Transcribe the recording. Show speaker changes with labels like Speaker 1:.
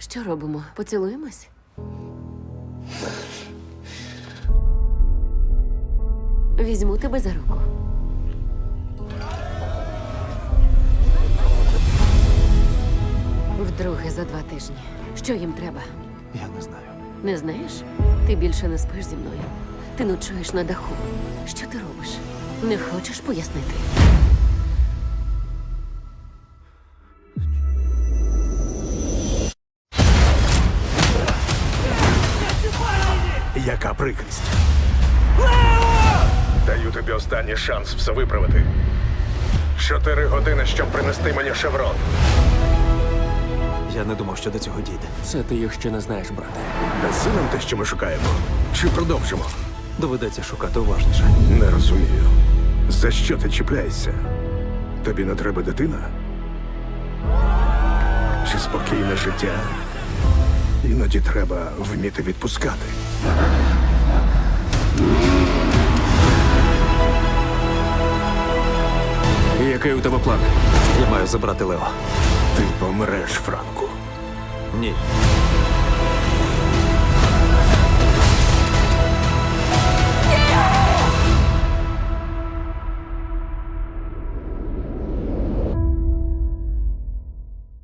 Speaker 1: Що робимо? Поцілуємось? Візьму тебе за руку. Вдруге за 2 тижні. Що їм треба?
Speaker 2: Я не знаю.
Speaker 1: Не знаєш? Ти більше не спиш зі мною. Ти ночуєш на даху. Що ти робиш? Не хочеш пояснити?
Speaker 3: Яка прикрість.
Speaker 4: Даю тобі останній шанс все виправити. 4 години, щоб принести мені шеврон.
Speaker 2: Я не думав, що до цього дійде.
Speaker 5: Це ти їх ще не знаєш, брате.
Speaker 3: Даси нам те, що ми шукаємо? Чи продовжимо?
Speaker 2: Доведеться шукати уважніше.
Speaker 3: Не розумію. За що ти чіпляєшся? Тобі не треба дитина? Чи спокійне життя? Іноді треба вміти відпускати.
Speaker 5: Який у тебе план?
Speaker 2: Я маю забрати Лео.
Speaker 3: Ти помреш, Франку.
Speaker 2: Ні.